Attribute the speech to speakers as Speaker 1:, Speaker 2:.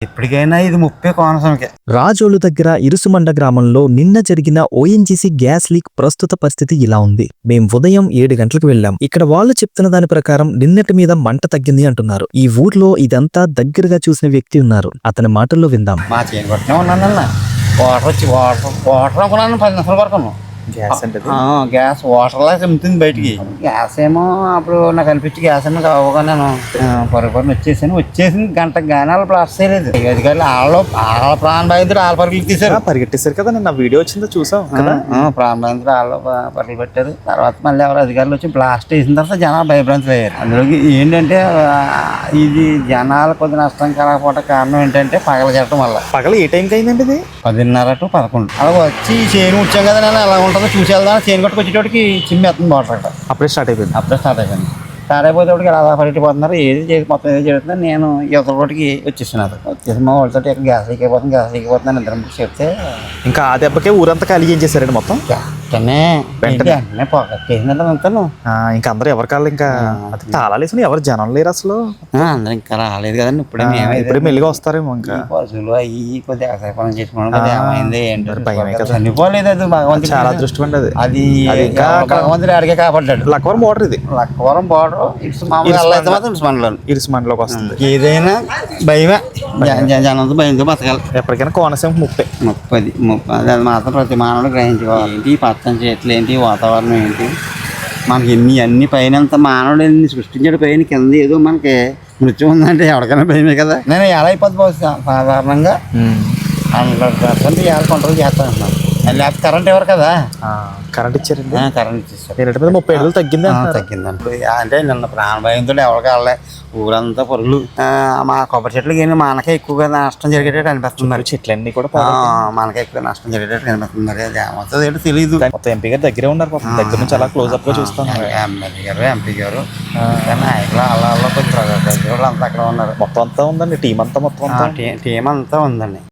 Speaker 1: ఎప్పటికైనా ఇది ముప్పే కోనసీమకే.
Speaker 2: రాజోలు దగ్గర ఇరుసుమండ గ్రామంలో నిన్న జరిగిన ఓఎన్జీసీ గ్యాస్ లీక్ ప్రస్తుత పరిస్థితి ఇలా ఉంది. మేం ఉదయం 7 గంటలకు వెళ్ళాం. ఇక్కడ వాళ్ళు చెప్తున్న దాని ప్రకారం నిన్నటి మీద మంట తగ్గింది అంటున్నారు. ఈ ఊర్లో ఇదంతా దగ్గరగా చూసిన వ్యక్తి ఉన్నారు. అతని మాటల్లో విందాం.
Speaker 1: మా చేను కొట్టనే ఉన్నానన్న వాటర్ అనుకున్నాను 10 నిమిషాల వరకు. గ్యాస్ వాటర్ లా చెమ్ముతుంది బయటికి. గ్యాస్ ఏమో అప్పుడు నాకు అనిపించి గ్యాస్ ఏమో కావుగా నేను పొరపాటున వచ్చేసింది గంట గానాలు ప్లాస్ చేయలేదు. అధికారులు వాళ్ళ ప్రాణ బాధితుడు వాళ్ళ పరుగులు తీశారు,
Speaker 2: పరిగెట్టేశారు కదా. నిన్న వీడియో వచ్చిందో చూసాం.
Speaker 1: ప్రాణ బాధితుడు వాళ్ళు పరుగులు పెట్టారు. తర్వాత మళ్ళీ ఎవరు అధికారులు వచ్చి బ్లాస్ట్ వేసిన తర్వాత జనాలు భయభ్రాంతులు అయ్యారు. అందులోకి ఏంటంటే ఇది జనాలు కొద్ది నష్టం కలగకపోవడం కారణం ఏంటంటే పగల చెట్టడం వల్ల.
Speaker 2: పగల ఏ టైంకి అయిందండి ఇది?
Speaker 1: 10:30 to 11 అలా వచ్చి చేను వచ్చాం కదా. నేను ఎలా ఉంటుందో చూసి వెళ్దాం. చేను కట్టుకు వచ్చేటోడికి చిమ్మేస్తుంది వాటర్ అక్కడ. అప్పుడే స్టార్ట్ అయిపోయింది. స్టార్ట్ అయిపోయేటోడికి అలా పరిగెట్టిపోతున్నారు. ఏది చేసి మొత్తం ఏది చేస్తున్నారు. నేను యువతల రోడ్డుకి వచ్చేసినాను. వచ్చేసి మా వాళ్ళతో ఇక్కడ గ్యాస్ లీక్ అయిపోతున్నాను ఇద్దరం చెప్తే
Speaker 2: ఇంకా ఆ దెబ్బకే ఊరంతా ఖాళీ ఏం చేశారండి మొత్తం.
Speaker 1: వెంటనే పొగేసిందంటే అంతాను.
Speaker 2: ఇంకా అందరూ ఎవరి కాళ్ళు ఇంకా తాళాలు వేసుకుని ఎవరు జనం లేరు అసలు.
Speaker 1: అందరూ ఇంకా రాలేదు కదండి.
Speaker 2: ఇప్పుడే మెల్లిగా వస్తారేమో. ఇంకా
Speaker 1: పశువులు అవి కొద్దిగా వ్యవసాయం చేసుకోవడం ఏమైంది ఏంటో చనిపోలేదు. అది భగవంతుడు
Speaker 2: చాలా అదృష్టం అండి.
Speaker 1: అది ఇంకా భగవంతుడు అడిగే కాపాడ్డాడు.
Speaker 2: లక్కవరం బోర్డర్ ఇది.
Speaker 1: లక్కవరం బోర్డర్
Speaker 2: ఇరుసుమండలోకి వస్తుంది.
Speaker 1: ఏదైనా భయమే. జనంతో భయంతో బతకాలి.
Speaker 2: ఎప్పటికైనా కోనసీమ 30
Speaker 1: అది మాత్రం ప్రతి మానవుడు గ్రహించుకోవాలి. ఏంటి పచ్చని చెట్లు ఏంటి, వాతావరణం ఏంటి, మనకి అన్ని పైన మానవుడు సృష్టించాడు. పైన కింద ఏదో మనకి మృత్యు ఉందంటే ఎవరికైనా భయమే కదా. నేను ఎలా అయిపోతుంది సాధారణంగా 100% ఎలా కంట్రోల్ చేస్తాను. లేకపోతే కరెంట్ ఎవరు కదా.
Speaker 2: కరెంట్ ఇచ్చారండి.
Speaker 1: కరెంట్ ఇచ్చేస్తారు.
Speaker 2: 30 ఏళ్ళు
Speaker 1: తగ్గిందండి. అంటే నిన్న ప్రాణభయంతో ఎవరికి వెళ్ళలే. ఊరంతా పొరులు. మా కొబ్బరి చెట్లకి మనకే ఎక్కువగా నష్టం జరిగేటట్టు అనిపిస్తుంది. మరి
Speaker 2: చెట్లన్నీ కూడా
Speaker 1: మనకే ఎక్కువ నష్టం జరిగేటట్టు కనిపిస్తుంది. మరి అది ఏమవుతుంది ఏంటో తెలియదు.
Speaker 2: మొత్తం ఎంపీ గారు దగ్గరే ఉన్నారు. దగ్గర నుంచి అలా క్లోజ్ అప్ గా చూస్తాం.
Speaker 1: ఎంపీ గారు నాయకులు అలా కొంచెం అంతా అక్కడ ఉన్నారు.
Speaker 2: మొత్తం అంతా ఉందండి. టీం అంతా ఉందండి.